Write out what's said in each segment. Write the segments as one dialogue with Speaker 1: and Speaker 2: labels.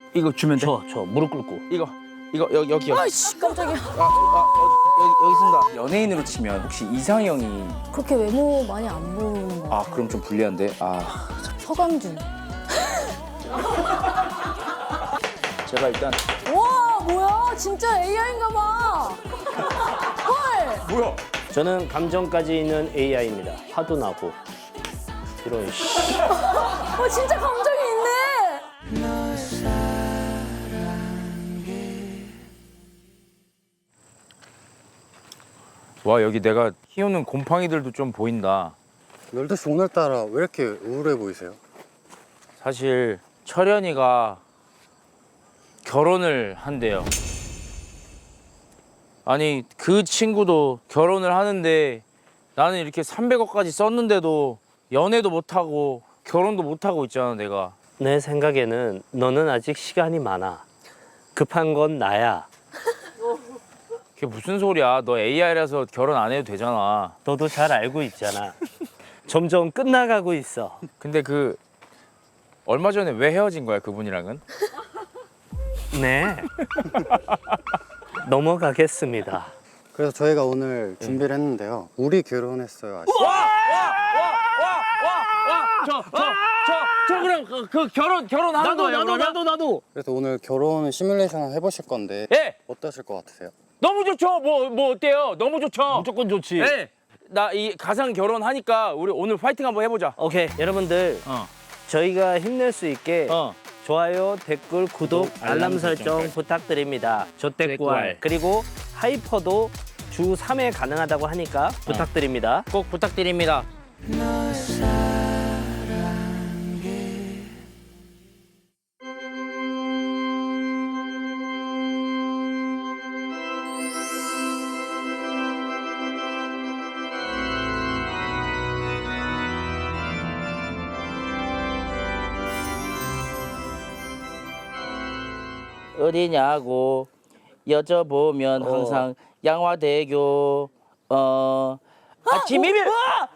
Speaker 1: 이거 주면 돼?
Speaker 2: 저 무릎 꿇고.
Speaker 1: 이거 여기요.
Speaker 3: 아이씨 깜짝이야.
Speaker 1: 여기 있습니다. 연예인으로 치면 혹시 이상형이
Speaker 3: 그렇게 외모 많이 안 보는 거.
Speaker 1: 그럼 좀 불리한데.
Speaker 3: 서강준.
Speaker 1: 제가 일단
Speaker 3: 와 뭐야 진짜 AI인가 봐. 헐.
Speaker 1: 뭐야?
Speaker 2: 저는 감정까지 있는 AI입니다. 화도 나고. 이런 씨.
Speaker 3: 진짜 감정이 있네.
Speaker 1: 와 여기 내가 키우는 곰팡이들도 좀 보인다.
Speaker 4: 널도 씨 오늘따라 왜 이렇게 우울해 보이세요?
Speaker 1: 사실 철현이가 결혼을 한대요. 아니 그 친구도 결혼을 하는데 나는 이렇게 300억까지 썼는데도 연애도 못하고 결혼도 못하고 있잖아 내가.
Speaker 2: 내 생각에는 너는 아직 시간이 많아. 급한 건 나야.
Speaker 1: 그게 무슨 소리야. 너 AI라서 결혼 안 해도 되잖아.
Speaker 2: 너도 잘 알고 있잖아. 점점 끝나가고 있어.
Speaker 1: 근데 그 얼마 전에 왜 헤어진 거야 그분이랑은?
Speaker 2: 네. 넘어가겠습니다.
Speaker 4: 그래서 저희가 오늘 준비를 했는데요. 우리 결혼했어요 아시죠?
Speaker 1: 저 그럼 그 결혼하는 거예요 그러면?
Speaker 2: 나도.
Speaker 4: 그래서 오늘 결혼 시뮬레이션을 해보실 건데
Speaker 1: 예.
Speaker 4: 어떠실 것 같으세요?
Speaker 1: 너무 좋죠. 뭐 어때요? 너무 좋죠.
Speaker 2: 무조건 좋지.
Speaker 1: 예. 나 이 가상 결혼하니까 우리 오늘 파이팅 한번 해보자.
Speaker 2: 오케이, 여러분들 저희가 힘낼 수 있게 좋아요, 댓글, 구독, 알람 설정 부탁드립니다. 조댓구알 그리고 하이퍼도 주 3회 가능하다고 하니까 부탁드립니다.
Speaker 1: 꼭 부탁드립니다. 어디냐고 여쭤보면 항상 양화대교 지미밀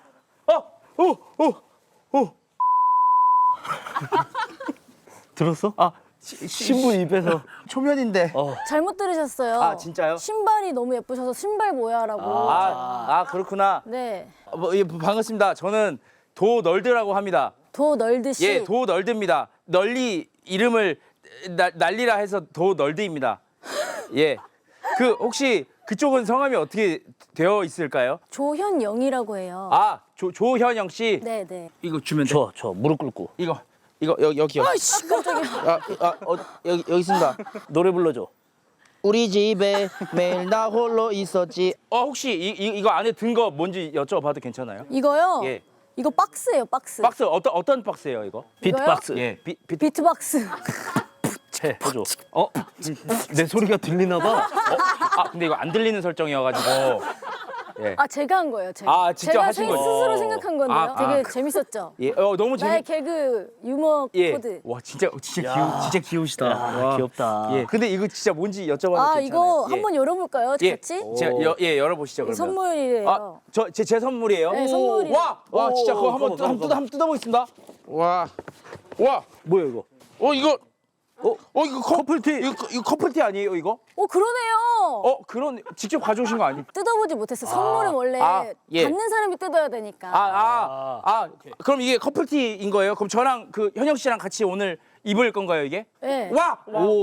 Speaker 2: 들었어? 신부 입에서
Speaker 1: 초면인데
Speaker 3: 잘못 들으셨어요.
Speaker 1: 아, 진짜요?
Speaker 3: 신발이 너무 예쁘셔서 신발 뭐야라고.
Speaker 1: 그렇구나.
Speaker 3: 네.
Speaker 1: 반갑습니다. 저는 도널드라고 합니다.
Speaker 3: 도 널드씨.
Speaker 1: 예, 도널드입니다. 널리 이름을 날리라 해서 도널드입니다. 예. 그 혹시 그쪽은 성함이 어떻게 되어 있을까요?
Speaker 3: 조현영이라고 해요.
Speaker 1: 조현영 씨.
Speaker 3: 네네.
Speaker 1: 이거 주면 돼.
Speaker 2: 저 무릎 꿇고
Speaker 1: 이거 여기요.
Speaker 3: 아이씨 깜짝이야.
Speaker 1: 여기 있습니다.
Speaker 2: 노래 불러줘.
Speaker 1: 우리 집에 매일 나 홀로 있었지. 혹시 이거 안에 든 거 뭔지 여쭤봐도 괜찮아요?
Speaker 3: 이거요?
Speaker 1: 예.
Speaker 3: 이거 박스예요 박스.
Speaker 1: 박스 어떤 박스예요 이거?
Speaker 2: 비트박스.
Speaker 1: 예.
Speaker 3: 비트박스.
Speaker 2: 해줘. 내 소리가 들리나 봐.
Speaker 1: 근데 이거 안 들리는 설정이어가지고. 예.
Speaker 3: 제가 한 거예요. 제가.
Speaker 1: 직접
Speaker 3: 제가
Speaker 1: 하신 거죠?
Speaker 3: 스스로 생각한 건데요. 되게 재밌었죠.
Speaker 1: 예. 너무
Speaker 3: 나의 개그 유머 코드.
Speaker 1: 와 진짜 귀여우시다.
Speaker 2: 야, 귀엽다.
Speaker 1: 예. 근데 이거 진짜 뭔지 여쭤봐도 괜찮아요?
Speaker 3: 이거
Speaker 1: 예.
Speaker 3: 한번 열어볼까요?
Speaker 1: 예.
Speaker 3: 같이?
Speaker 1: 제가 열어보시죠 그러면.
Speaker 3: 선물이래요.
Speaker 1: 제 선물이에요?
Speaker 3: 네, 선물이에요.
Speaker 1: 와 진짜 그거
Speaker 2: 그거.
Speaker 1: 한번 뜯어보겠습니다. 와
Speaker 2: 뭐야 이거?
Speaker 1: 이거 커플티 이거 커플티 아니에요 이거?
Speaker 3: 그러네요.
Speaker 1: 그런 직접 가져오신 거 아니에요?
Speaker 3: 뜯어보지 못했어요. 선물은 원래
Speaker 1: 예.
Speaker 3: 받는 사람이 뜯어야 되니까.
Speaker 1: 그럼 이게 커플티인 거예요? 그럼 저랑 그 현영 씨랑 같이 오늘 입을 건가요 이게?
Speaker 3: 네.
Speaker 1: 와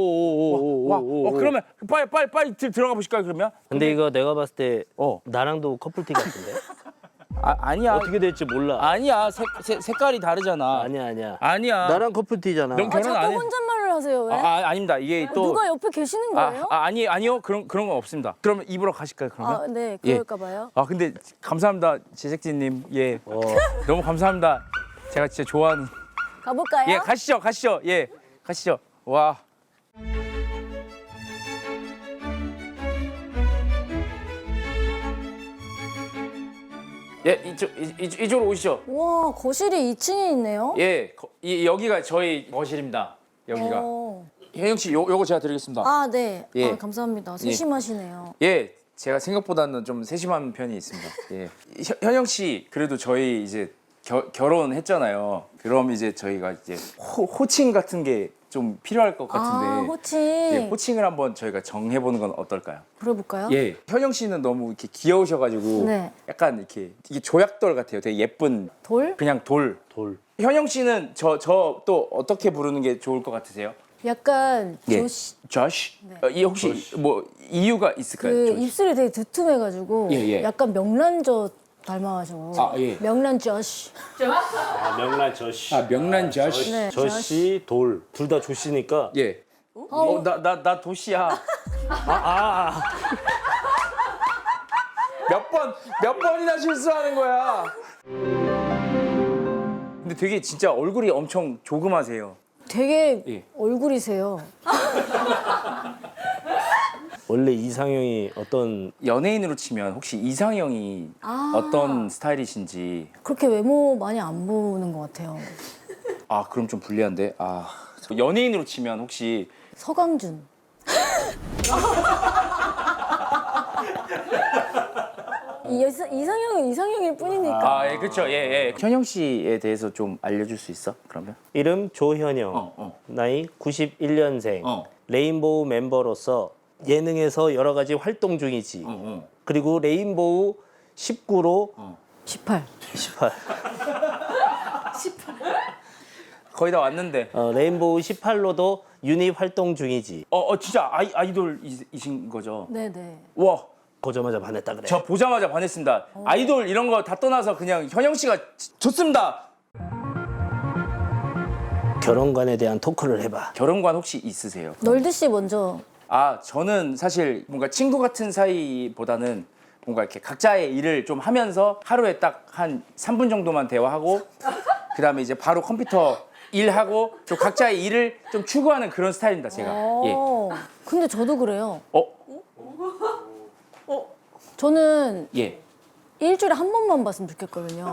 Speaker 1: 그러면 빨리 들어가 보실까요 그러면?
Speaker 2: 근데 이거 내가 봤을 때 나랑도 커플티 같은데?
Speaker 1: 아니야.
Speaker 2: 어떻게 될지 몰라.
Speaker 1: 아니야. 색깔이 다르잖아.
Speaker 2: 아니야. 나랑 커플티잖아.
Speaker 1: 넌 결혼 안
Speaker 3: 자꾸
Speaker 1: 해?
Speaker 3: 혼잣말을 하세요. 왜?
Speaker 1: 아닙니다. 이게 또
Speaker 3: 누가 옆에 계시는 거예요?
Speaker 1: 아니요. 그런 건 없습니다. 그러면 입으러 가실까요 그러면?
Speaker 3: 네, 그럴까 봐요.
Speaker 1: 근데 감사합니다 제작진님. 예. 너무 감사합니다. 제가 진짜 좋아하는.
Speaker 3: 가볼까요?
Speaker 1: 예, 가시죠. 예, 가시죠. 와. 예, 이쪽으로 오시죠.
Speaker 3: 와, 거실이 2층에 있네요.
Speaker 1: 예, 여기가 저희 거실입니다. 여기가. 혜영 씨, 요거 제가 드리겠습니다.
Speaker 3: 네.
Speaker 1: 예.
Speaker 3: 감사합니다. 세심하시네요.
Speaker 1: 예, 제가 생각보다는 좀 세심한 편이 있습니다. 예. 현영 씨, 그래도 저희 이제 결혼했잖아요. 그럼 이제 저희가 이제 호칭 같은 게 좀 필요할 것 같은데.
Speaker 3: 아, 호칭.
Speaker 1: 예, 호칭을 한번 저희가 정해보는 건 어떨까요?
Speaker 3: 물어볼까요?
Speaker 1: 예. 현영 씨는 너무 이렇게 귀여우셔가지고
Speaker 3: 네.
Speaker 1: 약간 이렇게 이게 조약돌 같아요. 되게 예쁜
Speaker 3: 돌?
Speaker 1: 그냥 돌.
Speaker 2: 돌.
Speaker 1: 현영 씨는 저 또 어떻게 부르는 게 좋을 것 같으세요?
Speaker 3: 약간
Speaker 1: 예.
Speaker 3: 조시.
Speaker 1: 조시?
Speaker 3: 네.
Speaker 1: 이 혹시 뭐 이유가 있을까요?
Speaker 3: 그
Speaker 1: 조시?
Speaker 3: 입술이 되게 두툼해가지고
Speaker 1: 예, 예.
Speaker 3: 약간 명란젓 닮아가지고.
Speaker 1: 아, 예.
Speaker 3: 명란젓.
Speaker 2: 아, 명란 저씨.
Speaker 1: 아 명란 조시.
Speaker 3: 네.
Speaker 2: 저씨 돌. 둘 다 조씨니까.
Speaker 1: 예. 나 도시야. 몇 번이나 실수하는 거야. 근데 되게 진짜 얼굴이 엄청 조그마세요.
Speaker 3: 되게
Speaker 1: 예.
Speaker 3: 얼굴이세요.
Speaker 2: 원래 이상형이 어떤
Speaker 1: 연예인으로 치면 혹시 이상형이
Speaker 3: 아.
Speaker 1: 어떤 스타일이신지.
Speaker 3: 그렇게 외모 많이 안 보는 것 같아요.
Speaker 1: 아 그럼 좀 불리한데. 아 연예인으로 치면 혹시
Speaker 3: 서강준. 이상형은 이상형일 뿐이니까.
Speaker 1: 아 예 그렇죠 예. 현영 씨에 대해서 좀 알려줄 수 있어? 그러면?
Speaker 2: 이름 조현영.
Speaker 1: 어.
Speaker 2: 나이 91년생.
Speaker 1: 어.
Speaker 2: 레인보우 멤버로서 예능에서 여러 가지 활동 중이지. 그리고 레인보우 19로
Speaker 3: 18.
Speaker 2: 18.
Speaker 1: 거의 다 왔는데.
Speaker 2: 레인보우 18로도 유닛 활동 중이지.
Speaker 1: 진짜 아이돌이신 거죠?
Speaker 3: 네네.
Speaker 1: 와.
Speaker 2: 보자마자 반했다 그래.
Speaker 1: 저 보자마자 반했습니다. 아이돌 이런 거 다 떠나서 그냥 현영 씨가 좋습니다.
Speaker 2: 결혼관에 대한 토크를 해봐.
Speaker 1: 결혼관 혹시 있으세요?
Speaker 3: 널드 씨 먼저.
Speaker 1: 아 저는 사실 뭔가 친구 같은 사이보다는 뭔가 이렇게 각자의 일을 좀 하면서 하루에 딱 한 3분 정도만 대화하고 그다음에 이제 바로 컴퓨터 일하고 좀 각자의 일을 좀 추구하는 그런 스타일입니다 제가. 예.
Speaker 3: 근데 저도 그래요.
Speaker 1: 어?
Speaker 3: 저는
Speaker 1: 예.
Speaker 3: 일주일에 한 번만 봤으면 좋겠거든요.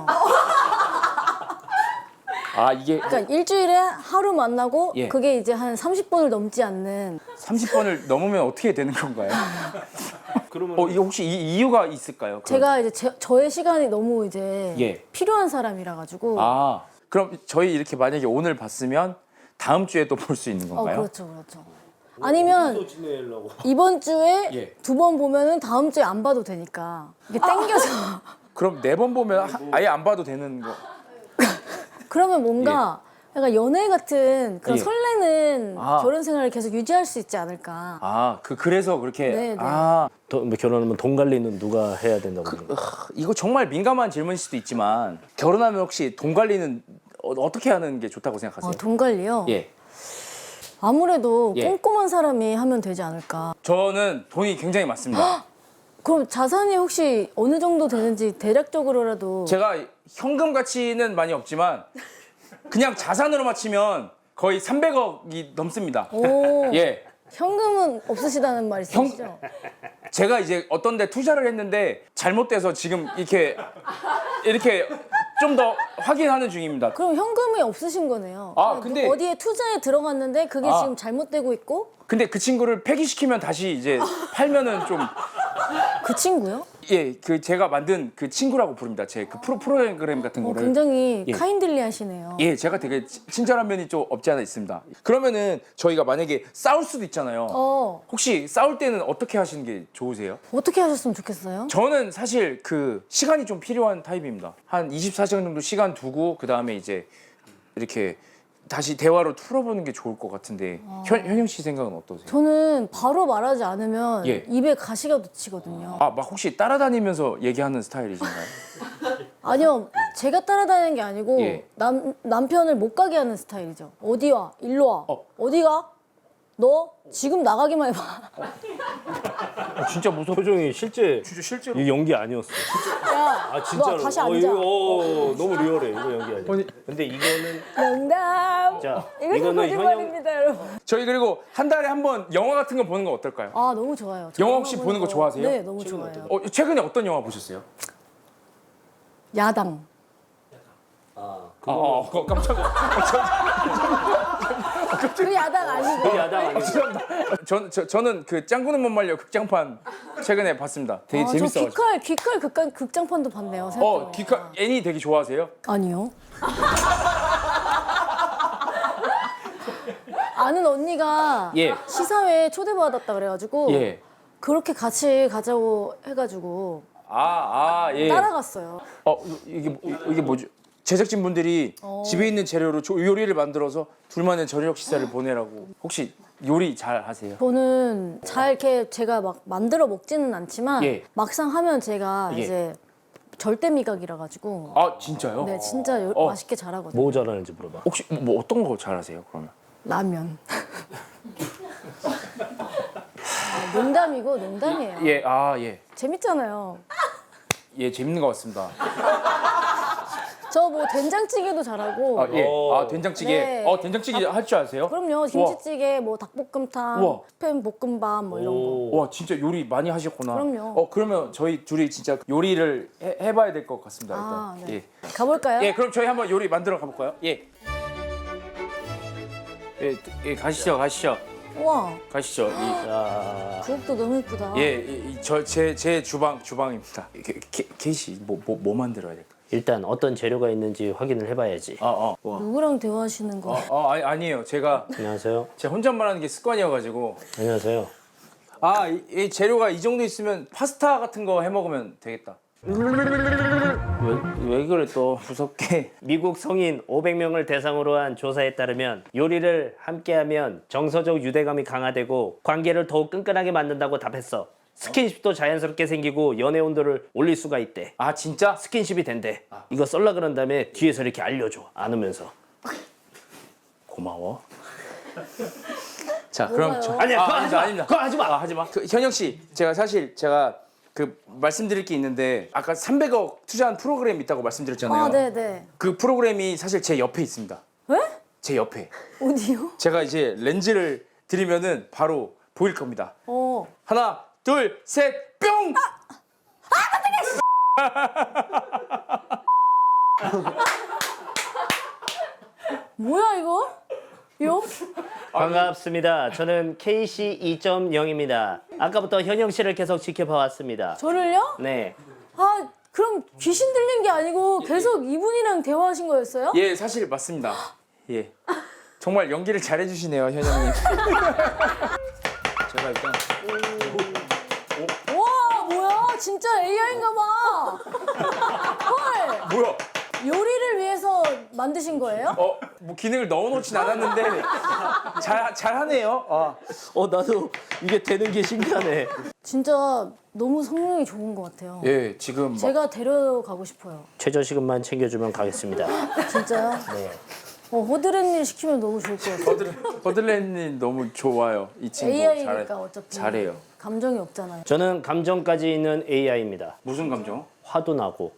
Speaker 1: 아 이게
Speaker 3: 그러니까 일주일에 하루 만나고
Speaker 1: 예.
Speaker 3: 그게 이제 한 30분을 넘지 않는.
Speaker 1: 30번을 넘으면 어떻게 되는 건가요?
Speaker 2: 그러면
Speaker 1: 이게 혹시 이유가 있을까요? 그럼?
Speaker 3: 제가 이제 저의 시간이 너무 이제
Speaker 1: 예.
Speaker 3: 필요한 사람이라 가지고.
Speaker 1: 아 그럼 저희 이렇게 만약에 오늘 봤으면 다음 주에 또 볼 수 있는 건가요?
Speaker 3: 그렇죠. 아니면
Speaker 2: 지내려고.
Speaker 3: 이번 주에
Speaker 1: 예.
Speaker 3: 2번 보면은 다음 주에 안 봐도 되니까 이게 땡겨서.
Speaker 1: 그럼 4번 보면 아예 안 봐도 되는 거.
Speaker 3: 그러면 뭔가 약간 연애 같은 그런
Speaker 1: 예.
Speaker 3: 설레는
Speaker 1: 아.
Speaker 3: 결혼 생활을 계속 유지할 수 있지 않을까.
Speaker 1: 아 그래서 그렇게.
Speaker 3: 네, 네.
Speaker 1: 아
Speaker 2: 결혼하면 돈 관리는 누가 해야 된다고 그러는 거야?
Speaker 1: 이거 정말 민감한 질문일 수도 있지만 결혼하면 혹시 돈 관리는 어떻게 하는 게 좋다고 생각하세요?
Speaker 3: 돈 관리요?
Speaker 1: 예.
Speaker 3: 아무래도
Speaker 1: 예.
Speaker 3: 꼼꼼한 사람이 하면 되지 않을까.
Speaker 1: 저는 돈이 굉장히 많습니다.
Speaker 3: 그럼 자산이 혹시 어느 정도 되는지 대략적으로라도.
Speaker 1: 제가 현금 가치는 많이 없지만 그냥 자산으로 맞추면 거의 300억이 넘습니다.
Speaker 3: 오,
Speaker 1: 예.
Speaker 3: 현금은 없으시다는 말씀이시죠?
Speaker 1: 제가 이제 어떤 데 투자를 했는데 잘못돼서 지금 이렇게 좀 더 확인하는 중입니다.
Speaker 3: 그럼 현금이 없으신 거네요.
Speaker 1: 아, 근데-
Speaker 3: 어디에 투자에 들어갔는데 그게
Speaker 1: 아.
Speaker 3: 지금 잘못되고 있고.
Speaker 1: 근데 그 친구를 폐기시키면 다시 이제 팔면은 좀
Speaker 3: 그 친구요?
Speaker 1: 예, 그 제가 만든 그 친구라고 부릅니다. 제 그 프로그램 같은 거를.
Speaker 3: 굉장히
Speaker 1: 예.
Speaker 3: 카인들리하시네요.
Speaker 1: 예, 제가 되게 친절한 면이 좀 없지 않아 있습니다. 그러면은 저희가 만약에 싸울 수도 있잖아요. 혹시 싸울 때는 어떻게 하시는 게 좋으세요?
Speaker 3: 어떻게 하셨으면 좋겠어요?
Speaker 1: 저는 사실 그 시간이 좀 필요한 타입입니다. 한 24시간 정도 시간 두고 그 다음에 이제 이렇게 다시 대화로 풀어보는 게 좋을 것 같은데 현영 씨 생각은 어떠세요?
Speaker 3: 저는 바로 말하지 않으면
Speaker 1: 예.
Speaker 3: 입에 가시가 묻히거든요.
Speaker 1: 아, 막 혹시 따라다니면서 얘기하는 스타일이신가요?
Speaker 3: 아니요, 제가 따라다니는 게 아니고
Speaker 1: 예.
Speaker 3: 남편을 못 가게 하는 스타일이죠. 어디 와? 일로 와. 어디 가? 너 지금 나가기만 해봐.
Speaker 2: 진짜 무서워. 표정이 실제
Speaker 1: 실제로?
Speaker 2: 이 연기 아니었어.
Speaker 3: 야,
Speaker 2: 아 진짜로.
Speaker 3: 너 다시 앉아.
Speaker 2: 이거, 너무 리얼해. 이거 연기 아니야. 근데 이거는
Speaker 3: 농담.
Speaker 2: 자
Speaker 3: 이것은
Speaker 2: 이거는
Speaker 3: 거짓말입니다, 여러분.
Speaker 1: 저희 그리고 한 달에 한 번 영화 같은 거 보는 거 어떨까요?
Speaker 3: 아, 너무 좋아요. 저
Speaker 1: 영화 혹시 보는 거 좋아하세요?
Speaker 3: 네, 너무 좋아요.
Speaker 1: 최근에 어떤 영화 보셨어요?
Speaker 3: 야당.
Speaker 1: 깜짝이야.
Speaker 3: 그 야당 아니고.
Speaker 2: 야당 아니고.
Speaker 1: 저는 그 짱구는 못 말려 극장판 최근에 봤습니다. 되게
Speaker 3: 저
Speaker 1: 재밌어가지고.
Speaker 3: 귀칼 극장판도 봤네요. 생각해보니까.
Speaker 1: 기카 애니 되게 좋아하세요?
Speaker 3: 아니요. 아는 언니가
Speaker 1: 예.
Speaker 3: 시사회에 초대받았다 그래가지고
Speaker 1: 예.
Speaker 3: 그렇게 같이 가자고 해가지고
Speaker 1: 예.
Speaker 3: 따라갔어요.
Speaker 1: 이게 뭐죠? 제작진 분들이 집에 있는 재료로 요리를 만들어서 둘만의 저녁 식사를 보내라고. 혹시 요리 잘 하세요?
Speaker 3: 저는 잘 이렇게 제가 막 만들어 먹지는 않지만
Speaker 1: 예.
Speaker 3: 막상 하면 제가
Speaker 1: 예.
Speaker 3: 이제 절대 미각이라 가지고
Speaker 1: 아 진짜요?
Speaker 3: 네 진짜 맛있게 잘하거든요.
Speaker 2: 뭐 잘하는지 물어봐.
Speaker 1: 혹시 뭐 어떤 거 잘하세요? 그러면?
Speaker 3: 라면. 농담이고 농담이에요.
Speaker 1: 예, 예.
Speaker 3: 재밌잖아요.
Speaker 1: 예, 재밌는 것 같습니다.
Speaker 3: 저 뭐 된장찌개도 잘하고.
Speaker 1: 예. 된장찌개.
Speaker 3: 네.
Speaker 1: 된장찌개 할 줄 아세요?
Speaker 3: 그럼요. 김치찌개, 뭐 닭볶음탕,
Speaker 1: 우와.
Speaker 3: 스팸 볶음밥 뭐 이런 거.
Speaker 1: 와, 진짜 요리 많이 하셨구나.
Speaker 3: 그럼요.
Speaker 1: 그러면 저희 둘이 진짜 요리를 해봐야 될 것 같습니다. 일단.
Speaker 3: 네.
Speaker 1: 예.
Speaker 3: 가볼까요?
Speaker 1: 예, 그럼 저희 한번 요리 만들어 가볼까요? 예. 예, 가시죠.
Speaker 3: 우와,
Speaker 1: 가시죠.
Speaker 2: 자,
Speaker 3: 부엌도 너무 예쁘다.
Speaker 1: 제 주방입니다. 케이씨 뭐 만들어야 될까?
Speaker 2: 일단 어떤 재료가 있는지 확인을 해봐야지.
Speaker 3: 누구랑 대화하시는 거?
Speaker 1: 아니에요. 제가
Speaker 2: 안녕하세요.
Speaker 1: 혼잣말 하는 게 습관이어가지고.
Speaker 2: 안녕하세요.
Speaker 1: 이 재료가 이 정도 있으면 파스타 같은 거 해 먹으면 되겠다. 왜 그래 또 무섭게?
Speaker 2: 미국 성인 500명을 대상으로 한 조사에 따르면 요리를 함께하면 정서적 유대감이 강화되고 관계를 더욱 끈끈하게 만든다고 답했어. 스킨십도 자연스럽게 생기고 연애 온도를 올릴 수가 있대.
Speaker 1: 아 진짜?
Speaker 2: 스킨십이 된대. 이거 썰라 그런 다음에 뒤에서 이렇게 알려줘. 안으면서.
Speaker 1: 고마워. 자 그럼
Speaker 3: 뭐가요?
Speaker 2: 아니야, 그거 하지 마.
Speaker 1: 아닙니다.
Speaker 2: 그거 하지 마.
Speaker 1: 하지 마. 현영 씨, 제가 그 말씀드릴 게 있는데 아까 300억 투자한 프로그램 있다고 말씀드렸잖아요.
Speaker 3: 아, 네네.
Speaker 1: 그 프로그램이 사실 제 옆에 있습니다.
Speaker 3: 왜?
Speaker 1: 제 옆에.
Speaker 3: 어디요?
Speaker 1: 제가 이제 렌즈를 들이면은 바로 보일 겁니다. 하나, 둘, 셋, 뿅!
Speaker 3: 뭐야 이거? 요?
Speaker 2: 반갑습니다. 저는 KC 2.0입니다. 아까부터 현영 씨를 계속 지켜봐 왔습니다.
Speaker 3: 저를요?
Speaker 2: 네.
Speaker 3: 아, 그럼 귀신 들린 게 아니고 계속 이분이랑 대화하신 거였어요?
Speaker 1: 예, 사실 맞습니다. 예. 정말 연기를 잘해주시네요, 현영님. 제가 일단
Speaker 3: 와, 뭐야? 진짜 AI인가 봐. 헐,
Speaker 1: 뭐야?
Speaker 3: 요리를 위해서 만드신 거예요?
Speaker 1: 뭐 기능을 넣어놓진 않았는데 잘하네요.
Speaker 2: 나도 이게 되는 게 신기하네.
Speaker 3: 진짜 너무 성능이 좋은 것 같아요.
Speaker 1: 예, 지금 막
Speaker 3: 제가 데려가고 싶어요.
Speaker 2: 최저시급만 챙겨주면 가겠습니다.
Speaker 3: 진짜요?
Speaker 2: 네.
Speaker 3: 호드렛일 시키면 너무 좋을 것 같아요.
Speaker 1: 버들렌님 너무 좋아요. 이 친구
Speaker 3: AI니까 어차피
Speaker 1: 잘해요.
Speaker 3: 감정이 없잖아요.
Speaker 2: 저는 감정까지 있는 AI입니다.
Speaker 1: 무슨 감정?
Speaker 2: 화도 나고.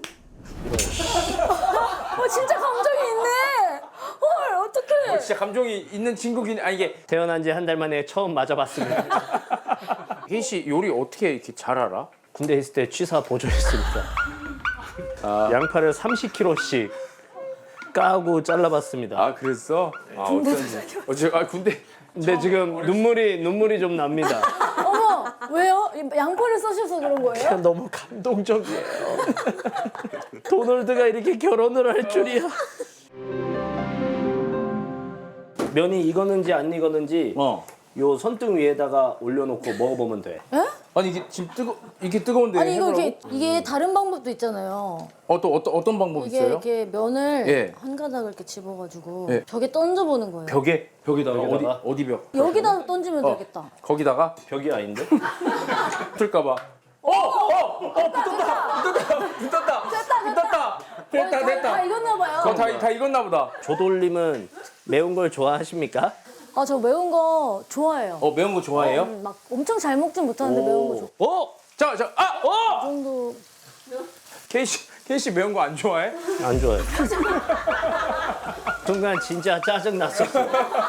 Speaker 3: 진짜 감정이 있네. 헐, 어떡해.
Speaker 1: 진짜 감정이 있는 친구긴 이게
Speaker 2: 태어난 지 한 달 만에 처음 맞아봤습니다.
Speaker 1: 혜인 씨 요리 어떻게 이렇게 잘 알아?
Speaker 2: 군대 있을 때 취사 보조했습니다. 양파를 30kg씩 까고 잘라봤습니다.
Speaker 1: 그랬어? 어쩐지. 군대.
Speaker 2: 근데 지금 눈물이 좀 납니다.
Speaker 3: 어머, 왜요? 양파를 써셔서 그런 거예요?
Speaker 2: 너무 감동적이에요. 도널드가 이렇게 결혼을 할 줄이야. 면이 익었는지 안 익었는지 요 손등 위에다가 올려놓고 먹어보면 돼.
Speaker 1: 아니 이게 지금 이게 뜨거운데
Speaker 3: 아니 이거
Speaker 1: 해보라고?
Speaker 3: 이게 다른 방법도 있잖아요.
Speaker 1: 어떤 방법
Speaker 3: 이게
Speaker 1: 있어요?
Speaker 3: 이렇게 면을
Speaker 1: 예.
Speaker 3: 한 가닥을 이렇게 집어가지고
Speaker 1: 예.
Speaker 3: 벽에 던져보는 거예요.
Speaker 1: 벽에다가
Speaker 2: 벽에다가?
Speaker 1: 어디 벽?
Speaker 3: 여기다 던지면 되겠다.
Speaker 1: 거기다가
Speaker 2: 벽이 아닌데?
Speaker 1: 붙을까봐. 붙었다.
Speaker 3: 다 익었나 봐요.
Speaker 1: 다 익었나 보다.
Speaker 2: 조돌림은 매운 걸 좋아하십니까?
Speaker 3: 아, 저 매운 거 좋아해요.
Speaker 1: 매운 거 좋아해요?
Speaker 3: 막 엄청 잘 먹진 못하는데 매운 거 좋아.
Speaker 1: 자,
Speaker 3: 그 정도.
Speaker 1: 케이 씨 매운 거 안 좋아해?
Speaker 2: 안 좋아요. 순간 진짜 짜증 났었어.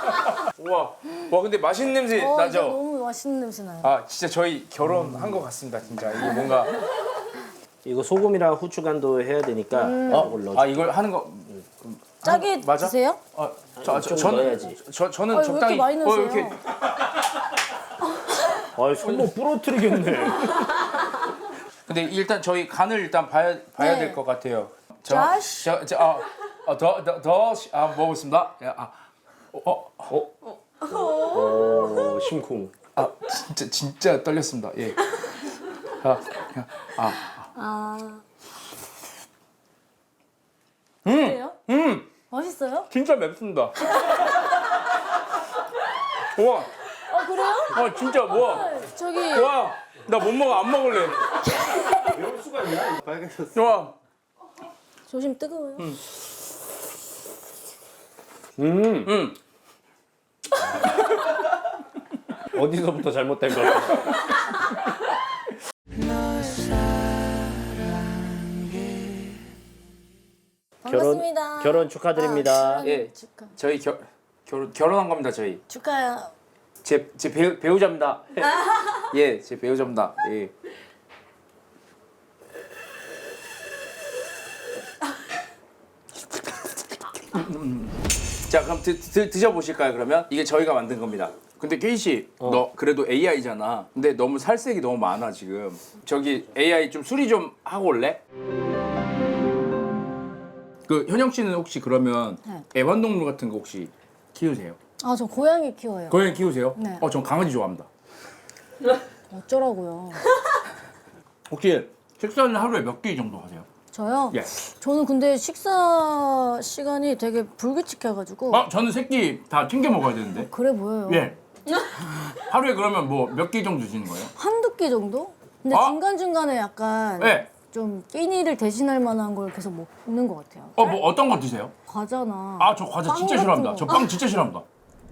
Speaker 1: 와 근데 맛있는 냄새
Speaker 3: 진짜
Speaker 1: 나죠?
Speaker 3: 너무 맛있는 냄새 나요.
Speaker 1: 진짜 저희 결혼한 것 같습니다, 진짜. 이게 뭔가
Speaker 2: 이거 소금이랑 후추간도 해야 되니까 이걸 넣어.
Speaker 1: 이걸 하는 거
Speaker 3: 짜게
Speaker 1: 맞아?
Speaker 3: 드세요?
Speaker 2: 좀 넣어야지.
Speaker 1: 저는
Speaker 3: 왜
Speaker 1: 적당히
Speaker 3: 이렇게 많이 넣으세요?
Speaker 1: 이렇게
Speaker 2: 손목 부러뜨리겠네.
Speaker 1: 근데 일단 저희 간을 일단 봐야
Speaker 3: 네.
Speaker 1: 될 것 같아요.
Speaker 3: 자시.
Speaker 1: 먹어보겠습니다.
Speaker 2: 오, 심쿵.
Speaker 1: 아 진짜 떨렸습니다. 예.
Speaker 3: 그래요? 맛있어요?
Speaker 1: 진짜 맵습니다. 와,
Speaker 3: 그래요?
Speaker 1: 진짜 와,
Speaker 3: 저기
Speaker 1: 와, 나 못 먹어, 안 먹을래.
Speaker 4: 빨개졌어.
Speaker 1: 와,
Speaker 3: 조심 뜨거워요.
Speaker 2: 어디서부터 잘못된 걸까?
Speaker 3: 반갑습니다.
Speaker 2: 결혼 축하드립니다.
Speaker 3: 결혼
Speaker 1: 예.
Speaker 3: 축하.
Speaker 1: 저희 결혼한 겁니다, 저희.
Speaker 3: 축하해요.
Speaker 1: 제 배우자입니다. 예, 제 배우자입니다. 예. 자, 그럼 드셔보실까요? 그러면 이게 저희가 만든 겁니다. 근데 케이 씨, 너 그래도 AI잖아. 근데 너무 살색이 너무 많아 지금. 저기 AI 좀 수리 좀 하고 올래? 그 현영 씨는 혹시 그러면
Speaker 3: 네.
Speaker 1: 애완동물 같은 거 혹시 키우세요?
Speaker 3: 아, 저 고양이 키워요.
Speaker 1: 고양이 키우세요?
Speaker 3: 네.
Speaker 1: 전 강아지 좋아합니다.
Speaker 3: 어쩌라고요?
Speaker 1: 혹시 식사는 하루에 몇 끼 정도 하세요?
Speaker 3: 저요?
Speaker 1: 예.
Speaker 3: 저는 근데 식사 시간이 되게 불규칙해가지고
Speaker 1: 저는 새끼 다 챙겨 먹어야 되는데.
Speaker 3: 그래 보여요.
Speaker 1: 예. 하루에 그러면 뭐 몇 끼 정도 드시는 거예요?
Speaker 3: 한두 끼 정도? 근데
Speaker 1: 아?
Speaker 3: 중간중간에 약간
Speaker 1: 예.
Speaker 3: 좀 끼니를 대신할 만한 걸 계속 먹는 것 같아요.
Speaker 1: 뭐 어떤 거 드세요?
Speaker 3: 과자나
Speaker 1: 저 과자
Speaker 3: 빵
Speaker 1: 진짜
Speaker 3: 같은
Speaker 1: 싫어합니다.
Speaker 3: 거.
Speaker 1: 저 빵 진짜 싫어합니다.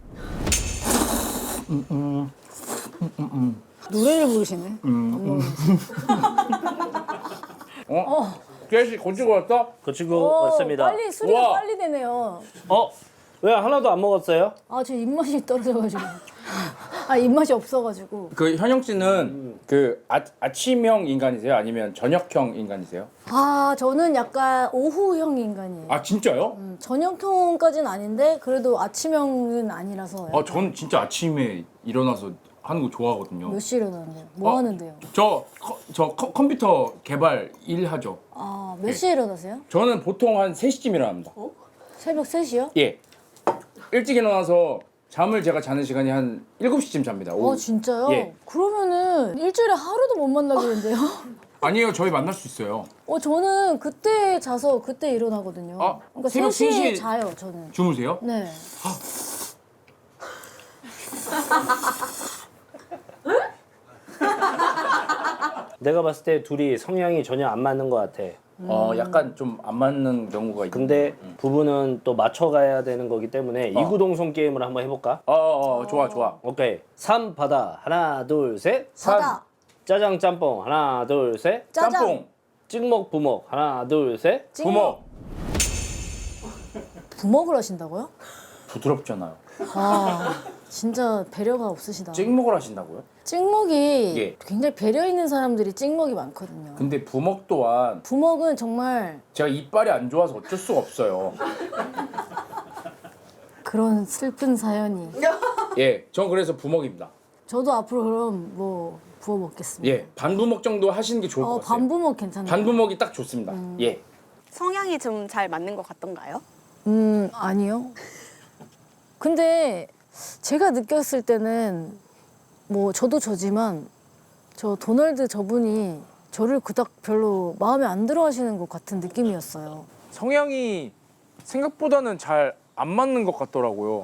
Speaker 3: 노래를 부르시네.
Speaker 1: 깨씨 고치고 왔어?
Speaker 2: 거치고 왔습니다.
Speaker 3: 빨리 수리가
Speaker 1: 우와.
Speaker 3: 빨리 되네요.
Speaker 2: 왜 하나도 안 먹었어요?
Speaker 3: 제 입맛이 떨어져가지고. 입맛이 없어가지고.
Speaker 1: 그 현영 씨는 그 아침형 인간이세요? 아니면 저녁형 인간이세요?
Speaker 3: 저는 약간 오후형 인간이에요.
Speaker 1: 진짜요?
Speaker 3: 저녁형까지는 아닌데 그래도 아침형은 아니라서. 약간
Speaker 1: 저는 진짜 아침에 일어나서 하는 거 좋아하거든요.
Speaker 3: 몇 시에 일어나는데요? 뭐 하는데요?
Speaker 1: 저 컴퓨터 개발 일 하죠.
Speaker 3: 몇 시에 일어나세요?
Speaker 1: 저는 보통 한 3시쯤 일어납니다.
Speaker 3: 새벽 3시요?
Speaker 1: 예. 일찍 일어나서 잠을 제가 자는 시간이 한 7시쯤 잡니다. 오후.
Speaker 3: 진짜요?
Speaker 1: 예.
Speaker 3: 그러면은 일주일에 하루도 못 만나겠는데요?
Speaker 1: 아니에요. 저희 만날 수 있어요.
Speaker 3: 저는 그때 자서 그때 일어나거든요. 그러니까
Speaker 1: 새벽
Speaker 3: 3시에
Speaker 1: 3시에
Speaker 3: 자요, 저는.
Speaker 1: 주무세요?
Speaker 3: 네.
Speaker 2: 내가 봤을 때 둘이 성향이 전혀 안 맞는 것 같아.
Speaker 1: 약간 좀 안 맞는 경우가 있는데.
Speaker 2: 근데 부부는 또 맞춰가야 되는 거기 때문에 이구동성 게임을 한번 해볼까?
Speaker 1: 좋아.
Speaker 2: 오케이. 3 바다 하나 둘 셋.
Speaker 3: 바다,
Speaker 2: 짜장 짬뽕 하나 둘 셋.
Speaker 3: 짜장,
Speaker 1: 짬뽕,
Speaker 2: 찍먹 부먹 하나 둘 셋.
Speaker 1: 부먹.
Speaker 3: 부먹을 하신다고요?
Speaker 1: 부드럽잖아요.
Speaker 3: 진짜 배려가 없으시다.
Speaker 1: 찍먹을 하신다고요?
Speaker 3: 찍먹이
Speaker 1: 예.
Speaker 3: 굉장히 배려 있는 사람들이 찍먹이 많거든요.
Speaker 1: 근데 부먹 또한
Speaker 3: 부먹은 정말
Speaker 1: 제가 이빨이 안 좋아서 어쩔 수가 없어요.
Speaker 3: 그런 슬픈 사연이.
Speaker 1: 예, 전 그래서 부먹입니다.
Speaker 3: 저도 앞으로 그럼 뭐 부어 먹겠습니다.
Speaker 1: 예, 반부먹 정도 하시는 게 좋을 것 같아요.
Speaker 3: 반부먹 괜찮아요.
Speaker 1: 반부먹이 딱 좋습니다. 예.
Speaker 5: 성향이 좀 잘 맞는 것 같던가요?
Speaker 3: 아니요. 근데 제가 느꼈을 때는 뭐 저도 저지만 저 도널드 저분이 저를 그닥 별로 마음에 안 들어 하시는 것 같은 느낌이었어요.
Speaker 1: 성향이 생각보다는 잘 안 맞는 것 같더라고요.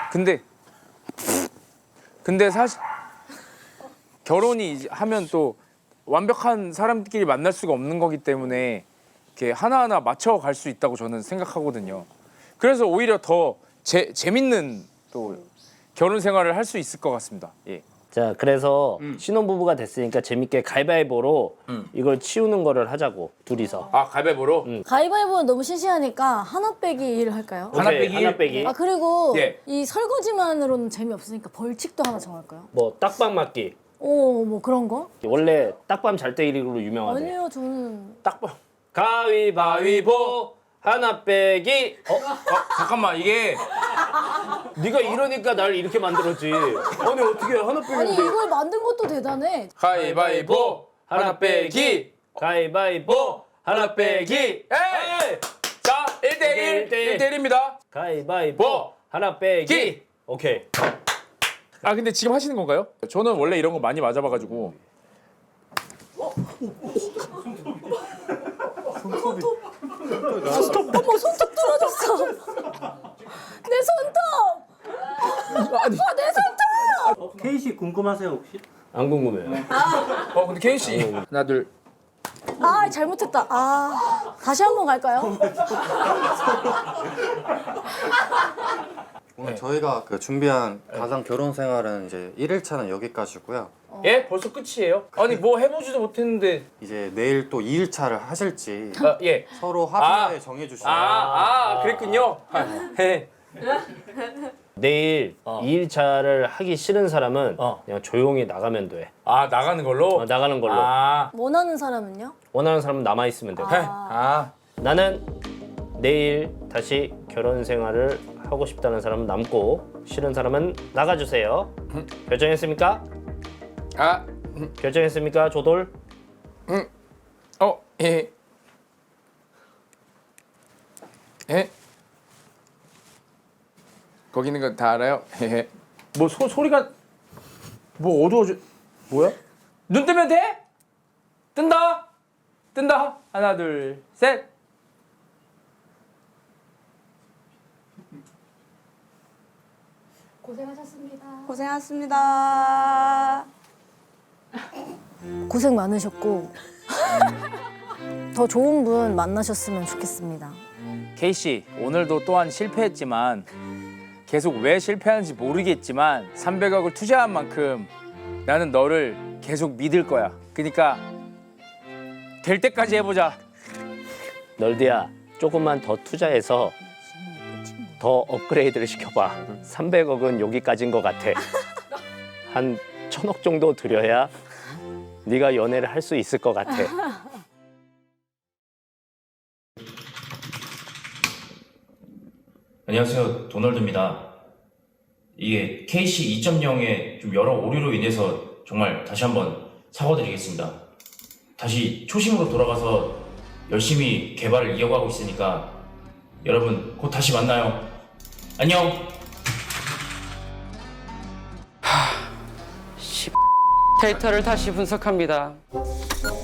Speaker 1: 근데 사실 결혼이 이제 하면 또 완벽한 사람끼리 만날 수가 없는 거기 때문에 이렇게 하나하나 맞춰갈 수 있다고 저는 생각하거든요. 그래서 오히려 더 재밌는 또 결혼 생활을 할 수 있을 것 같습니다. 예.
Speaker 2: 자, 그래서 신혼부부가 됐으니까 재밌게 가위바위보로 이걸 치우는 거를 하자고 둘이서.
Speaker 1: 가위바위보로?
Speaker 3: 가위바위보는 너무 시시하니까 하나 빼기를 할까요?
Speaker 1: 하나
Speaker 2: 오케이,
Speaker 1: 빼기?
Speaker 2: 하나 빼기.
Speaker 3: 그리고
Speaker 1: 예.
Speaker 3: 이 설거지만으로는 재미없으니까 벌칙도 하나 정할까요?
Speaker 2: 뭐 딱밤 맞기.
Speaker 3: 뭐 그런 거?
Speaker 2: 원래 딱밤 잘때기로 유명하대.
Speaker 3: 아니요, 저는
Speaker 1: 딱봐.
Speaker 2: 가위바위보 하나 빼기.
Speaker 1: 잠깐만 이게
Speaker 2: 네가 이러니까 날 이렇게 만들었지. 아니 어떻게 하나
Speaker 3: 아니
Speaker 2: 빼기인데?
Speaker 3: 이걸 만든 것도 대단해.
Speaker 1: 가위바위보 하나 빼기.
Speaker 2: 가위바위보 하나 빼기.
Speaker 1: 에이! 자 1대1
Speaker 2: 1대1.
Speaker 1: 1대1입니다.
Speaker 2: 가위바위보
Speaker 1: 보.
Speaker 2: 하나 빼기.
Speaker 1: 기.
Speaker 2: 오케이.
Speaker 1: 아 근데 지금 하시는 건가요? 저는 원래 이런 거 많이 맞아봐가지고.
Speaker 3: 어머 손톱 떨어졌어. 내 손톱. 내 손톱.
Speaker 2: 케이 씨 궁금하세요 혹시? 안 궁금해요.
Speaker 1: 근데 케이 씨 하나 둘.
Speaker 3: 아 잘못했다. 아 다시 한번 갈까요?
Speaker 4: 오늘 저희가 그 준비한 가상 결혼 생활은 이제 1일차는 여기까지고요.
Speaker 1: 예? 벌써 끝이에요? 아니 뭐 해보지도 못했는데.
Speaker 4: 이제 내일 또 2일차를 하실지
Speaker 1: 예.
Speaker 4: 서로 합의하에 정해주시면
Speaker 1: 그랬군요. 네.
Speaker 2: 내일 2일차를 하기 싫은 사람은 그냥 조용히 나가면 돼.
Speaker 1: 아 나가는 걸로?
Speaker 2: 나가는 걸로.
Speaker 3: 원하는 사람은요?
Speaker 2: 원하는 사람은 남아 있으면 돼. 나는 내일 다시 결혼 생활을 하고 싶다는 사람은 남고 싫은 사람은 나가주세요. 결정했습니까? 결정했습니까, 조돌?
Speaker 1: 예. 예? 거기 있는 거 다 알아요? 뭐 소리가 뭐 어두워져. 뭐야? 눈 뜨면 돼? 뜬다. 하나 둘 셋.
Speaker 5: 고생하셨습니다.
Speaker 3: 고생 많으셨고 더 좋은 분 만나셨으면 좋겠습니다.
Speaker 1: 케이 씨 오늘도 또한 실패했지만 계속 왜 실패하는지 모르겠지만 300억을 투자한 만큼 나는 너를 계속 믿을 거야. 그러니까 될 때까지 해보자.
Speaker 2: 널디야, 조금만 더 투자해서 더 업그레이드를 시켜봐. 300억은 여기까지인 것 같아. 한 1000억 정도 들여야 네가 연애를 할 수 있을 것 같아.
Speaker 6: 안녕하세요, 도널드입니다. 이게 KC 2.0의 좀 여러 오류로 인해서 정말 다시 한번 사과드리겠습니다. 다시 초심으로 돌아가서 열심히 개발을 이어가고 있으니까 여러분 곧 다시 만나요. 안녕.
Speaker 7: 데이터를 다시 분석합니다.